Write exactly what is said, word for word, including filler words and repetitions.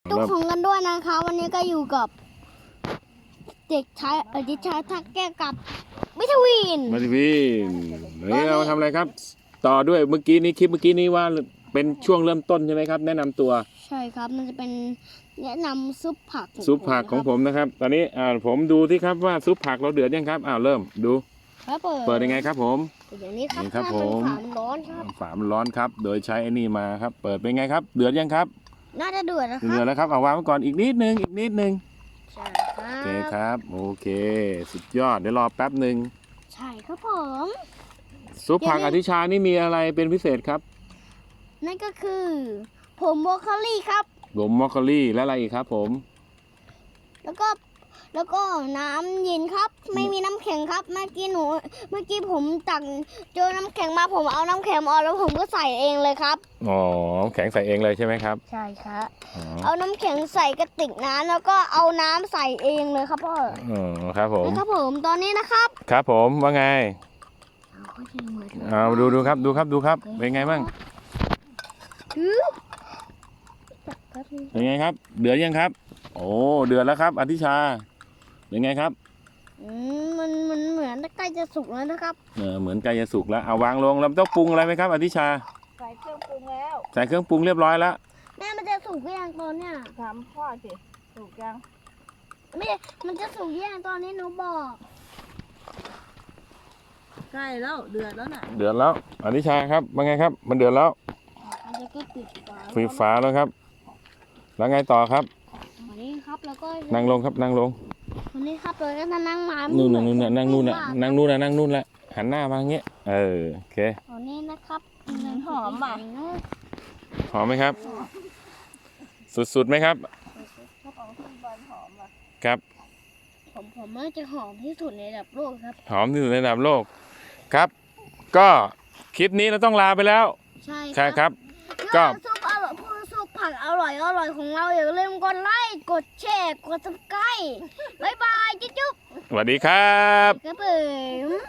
ทุกคนกันด้วยนะคะวันนี้ก็อยู่กับเด็กชายเออเด็กชายทักแก้วกับวิทวินมาทิวินวันนี้เราทำอะไรครับ ต่อด้วยเมื่อกี้นี้คลิปเมื่อกี้นี้ว่าเป็นช่วงเริ่มต้นใช่ไหมครับ แนะนำตัวใช่ครับมันจะเป็นแนะนำซุปผักซุปผักของผมนะครับ ตอนนี้อ่าผมดูที่ครับว่าซุปผักเราเดือดยังครับอ้าวเริ่มดูครับเปิดเปิดยังไงครับผมเดี๋ยวนี้ครับนี่ครับถ้าเป็นผมฝามันร้อนครับฝามันร้อนครับ โดยใช้ไอ้นี่มาครับ เปิดเป็นไงครับ เดือดยังครับน่าจะเดือดนะคเดือรัดบแล้วครับเอาวางไว้ก่อนอีกนิดนึงอีกนิดนึงใช่ครัโอเคบครับโอเค สุดยอดเดี๋ยวรอแป๊บหนึ่งใช่ครับผมซุปผักอธิชานี่มีอะไรเป็นพิเศษครับนั่นก็คือผมโบรอกโคลี่ครับผมมอคคอรี่และอะไรอีกครับผมแล้วก็แล้วก็น้ำเย็นครับ ไม่มีน้ำแข็งครับเมื่อกี้หนูเมื่อกี้ผมตักเจอน้ำแข็งมาผมเอาน้ำแข็งออกแล้วผมก็ใส่เองเลยครับอ๋อแข็งใส่เองเลยใช่ไหมครับใช่ครับอ๋อเอาน้ำแข็งใส่กระติกน้ำแล้วก็เอาน้ำใส่เองเลยครับพ่ออ๋อครับผมนะครับผมตอนนี้นะครับครับผมว่าไงเอาก็ยังเหมือนเอาดูดูครับดูครับดูครับเป็นไงบ้างอื้อครับเป็นไงครับ เดือดยังครับ โอ้เดือดแล้วครับอธิชาเป็นไงครับอืมมันมันเหมือนใกล้จะสุกแล้วนะครับเออเหมือนใกล้จะสุกแล้วเอาวางลงเราต้องปรุงอะไรไหมครับอธิชาใส่เครื่องปรุงแล้วใส่เครื่องปรุงเรียบร้อยแล้วแม่มันจะสุกหรือยังตอนเนี้ยถามพ่อสิถูกยังไม่มันจะสุกหรือยังตอนนี้หนูบอกใกล้แล้วเดือดแล้วน่ะเดือดแล้วอธิชาครับว่าไงครับ มันเดือดแล้วอันนี้ก็ปิดฝาฟีฟ้าแล้วครับ แล้วไงต่อครับวันนี้ครับแล้วก็นั่งลงครับนั่งลงวันนี้ครับเราก็จะนั่งมานู่นน่ะนู่นน่ะนั่งนู่นน่ะนั่งนู่นน่ะนั่งนู่นแหละหันหน้ามาอย่างเงี้ยเออโอเคตอนนี้นะครับหอมอ่ะหอมไหมครับ สุดๆไหมครับของคุณบอลหอมอ่ะครับผมผมน่าจะหอมที่สุดในระดับโลกครับหอมที่สุดในระดับโลกครับ ก็คลิปนี้เราต้องลาไปแล้วใช่ใช่ครับ ก็ก็ซุปอร่อยพูดซุปผักอร่อยอร่อยของเราอย่าลืมกดไลค์กดแชร์กดซับสไครต์บ๊ายบายจุ๊บสวัสดีครับๆครับผม